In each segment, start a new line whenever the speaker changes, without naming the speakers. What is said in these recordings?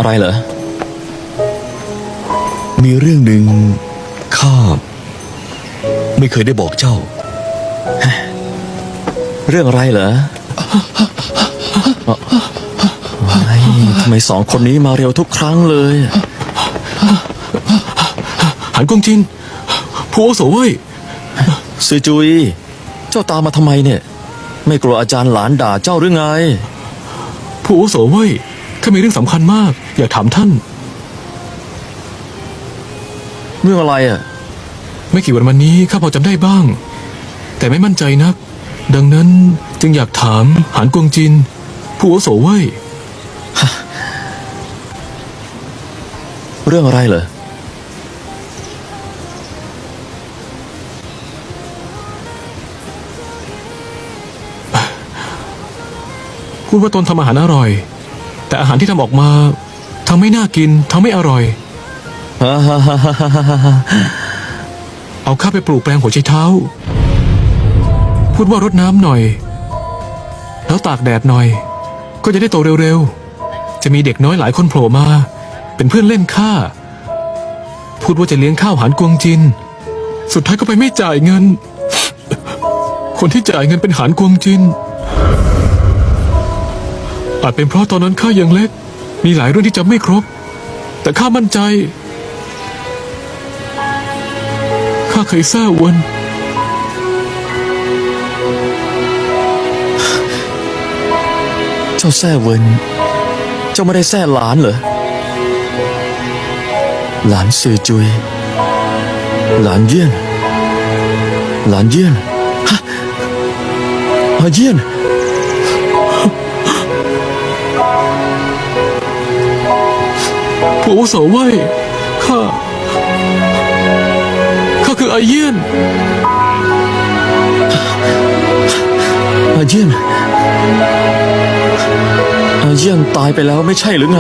อะไรเหรอ
มีเรื่องหนึ่งข้าไม่เคยได้บอกเจ้า
เรื่องอะไรเหรอทำไมสองคนนี้มาเร็วทุกครั้งเลย
หันกงจินผู้อาวุโสเว้ย
ซือจุยเจ้าตามมาทำไมเนี่ยไม่กลัวอาจารย์หลานด่าเจ้าหรือไง
ผู้อาวุโสเว้ยข้ามีเรื่องสำคัญมากอยากถามท่าน
เรื่องอะไรอ่ะ
ไม่กี่วันมานี้ข้าพอจำได้บ้างแต่ไม่มั่นใจนักดังนั้นจึงอยากถามหานกวงจินผู้อาวุโสเว่ย
เรื่องอะไรเหรอ
พูดว่าตนทำอาหารอร่อยแต่อาหารที่ทำออกมาทั้งไม่น่ากินทั้งไม่อร่อยเอาข้าไปปลูกแปลงหัวไชเท้าพูดว่ารดน้ำหน่อยแล้วตากแดดหน่อยก็จะได้โตเร็วๆจะมีเด็กน้อยหลายคนโผล่มาเป็นเพื่อนเล่นข้าพูดว่าจะเลี้ยงข้าวหานกวงจินสุดท้ายก็ไปไม่จ่ายเงินคนที่จ่ายเงินเป็นหานกวงจินอาจเป็นเพราะตอนนั้นข้ายังเล็กมีหลายเรื่องที่จำไม่ครบแต่ข้ามั่นใจข้าเคยแซ่วน
เจ้าแซ่เวินเจ้าไม่ได้แซ่หลานเหรอหลานซือจุยหลานเยี่ยนหลานเยี่ยนฮะเยี่ยน
ผู้อาวุโสเว่ยข้าคืออาเยี่ยน
อาเยี่ยนตายไปแล้วไม่ใช่หรือไง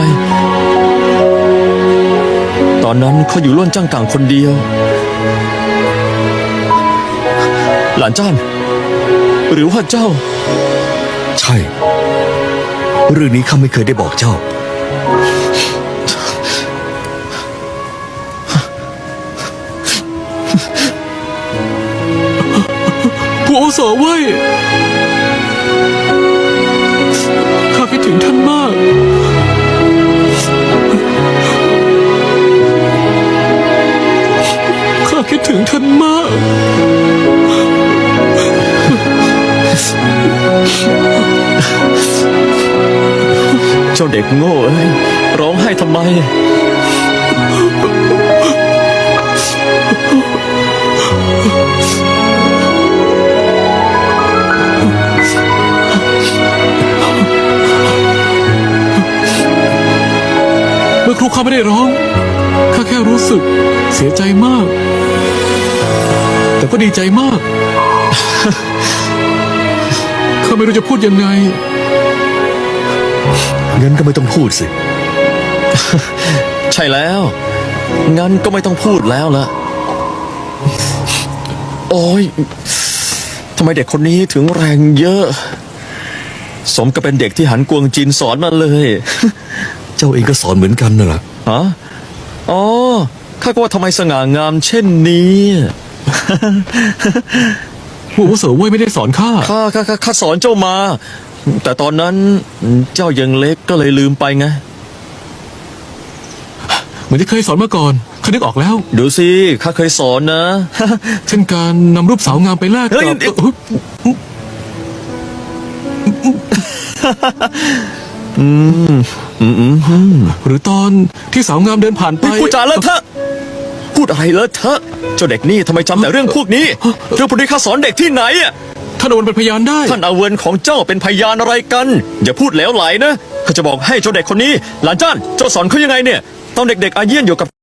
ตอนนั้นเขาอยู่ล้วนจ้างกลางคนเดียวหลานจ้านหรือว่าเจ้า
ใช่เรื่องนี้ข้าไม่เคยได้บอกเจ้า
ผู้อาวุโสเว่ยข้าคิดถึงท่านมากข้าคิดถึงท่านมาก
เจ้าเด็กโง่เอ้ยร้องไห้ทำไม
เมื่อครูข้าไม่ได้ร้องข้าแค่รู้สึกเสียใจมากแต่ก็ดีใจมากข้าไม่รู้จะพูดยังไง
งั้นก็ไม่ต้องพูดสิ
ใช่แล้วงั้นก็ไม่ต้องพูดแล้วล่ะโอ้ยทำไมเด็กคนนี้ถึงแรงเยอะสมกับเป็นเด็กที่หันกวงจินสอนมาเลย
เจ้าเองก็สอนเหมือนกันน่ะ
ฮะอ๋อข้าก็ว่าทำไมสง่างามเช่นนี้
ผู้อาวุโสเว่ยไม่ได้สอนข้า
สอนเจ้ามาแต่ตอนนั้นเจ้ายังเล็กก็เลยลืมไปไง
เหมือนที่เคยสอนมาก่อนข้านึกออกแล้ว
ดูสิข้าเคยสอนนะ
เช่นการนำรูปสาวงามไปแลกกับหรือตอนที่สาวงามเดินผ่านไป
พูดจาเลอะเทอะพูดอะไรเลอะเทอะเจ้าเด็กนี่ทำไมจำแต่เรื่องพวกนี้เรื่องพวกนี้ข้าสอนเด็กที่ไหนอ่ะ
ท่านอวนเป็นพยานได้
ท่านอาเวินของเจ้าเป็นพยานอะไรกันอย่าพูดเหลวไหลนะข้าจะบอกให้เจ้าเด็กคนนี้หลานจ้านเจ้าสอนเขายังไงเนี่ยตอนเด็กๆอาเยี่ยนอยู่กับ